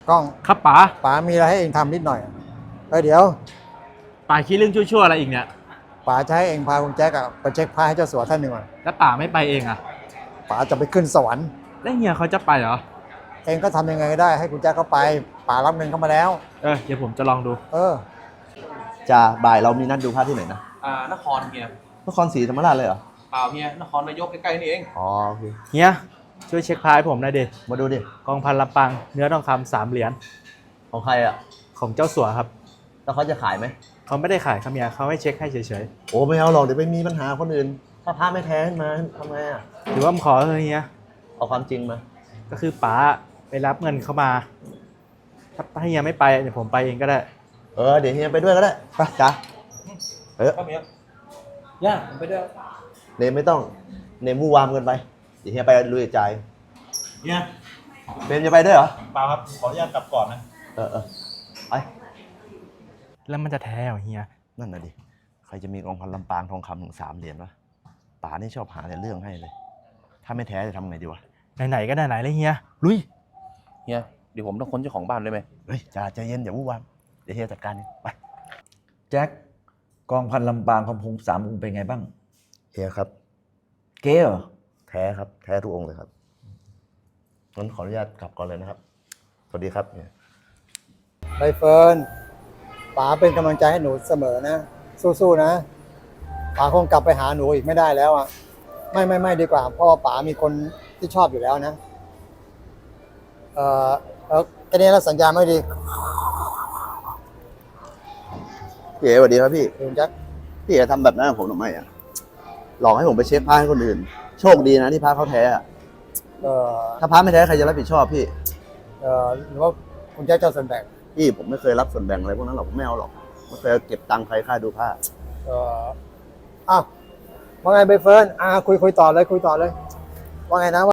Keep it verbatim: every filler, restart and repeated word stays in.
กล้องครับป๋าป๋ามีอะไรให้เองทำนิดหน่อยเออเดี๋ยวป๋าคิดเรื่องชั่วๆอะไรอีกเนี่ยป๋าจะให้เองพาคุณแจ็คอะไปเช็คพระให้เจ้าสัวท่านหนึ่งก่อนแล้วป๋าไม่ไปเองอ่ะป๋าจะไปขึ้นสวรรค์แล้วเฮียเขาจะไปเหรอเองก็ทำยังไงก็ได้ให้คุณแจ็คเขาไปป๋ารับเงินเข้ามาแล้วเออเดี๋ยวผมจะลองดูเออจ่าบ่ายเรามีนัดดูภาพที่ไหนนะอ่านครเฮียนครศรีธรรมราชเลยเหรอเปล่าเฮียนครนายกใกล้ๆนี่เองอ๋อโอเคเฮียช่วยเช็คพายผมหน่อยดิมาดูดิกองพันลำปางเนื้อทองคำสามเหรียญของใครอ่ะของเจ้าสัวครับแล้วเขาจะขายไหมเขาไม่ได้ขายครับเฮียเขาให้เช็คให้เฉยโอ้ไม่เอาหรอกเดี๋ยวไปมีปัญหาคนอื่นถ้าพระไม่แท้ขึ้นมาทำไงอ่ะหรือว่าผมขอเฮียเอาความจริงมาก็คือป๋าไปรับเงินเข้ามาถ้าเฮียไม่ไปเดี๋ยวผมไปเองก็ได้เออเดี๋ยวเฮียไปด้วยก็ได้ไปจ้าเออก็มีย่าผมไปด้วยเนมไม่ต้องเนมวู่วามเกินไปเดี๋ยวเฮียไปลุยใจเฮียเบมจะไปด้วยเหรอเปล่าครับขออนุญาตกลับก่อนนะเออเออไปแล้วมันจะแท้เหรอเฮียนั่นน่ะดิใครจะมีกองพันลำปางทองคำถึงสามเหรียญวะป๋านี่ชอบหาแต่เรื่องให้เลยถ้าไม่แท้จะทำไงดีวะไหนๆก็ไหนๆเลยเฮียลุยเฮียเดี๋ยวผมต้องค้นเจ้าของบ้านได้ไหมเฮ้ยจ่าใจเย็นอย่าวู่วามเดี๋ยวเฮียจัดการเองไปแจ็คกองพันลำปางคำพงสามองค์เป็นไงบ้างเฮียครับเก๋เหรอแท้ครับแท้ทุกองค์เลยครับงั้นขออนุญาตกลับก่อนเลยนะครับสวัสดีครับเนี่ยใบเฟิร์นป๋าเป็นกำลังใจให้หนูเสมอนะสู้ๆนะป๋าคงกลับไปหาหนูอีกไม่ได้แล้วอ่ะไม่ไม่ไม่ดีกว่าเพราะว่าป๋ามีคนที่ชอบอยู่แล้วนะเออแล้วแค่นี้เราสัญญาไม่ดีพี่เอ๋สวัสดีครับพี่คุณแจ็คพี่เอ๋ทำแบบนั้นกับผมทำไมอ่ะหลอกให้ผมไปเช็คผ้าให้คนอื่นโชคดีนะที่ผ้าเขาแท้อ่ะเออถ้าผ้าไม่แท้ใครจะรับผิดชอบพี่เออหรือว่าคุณแจ็คจะส่วนแบ่งพี่ผมไม่เคยรับส่วนแบ่งอะไรพวกนั้นหรอกผมไม่เอาหรอกไม่เคยเก็บตังค์ใครค่าดูผ้าเอออ้าวว่าไงใบเฟิร์นอ่าคุยคุยต่อเลยคุยต่อเลยว่าไงนะ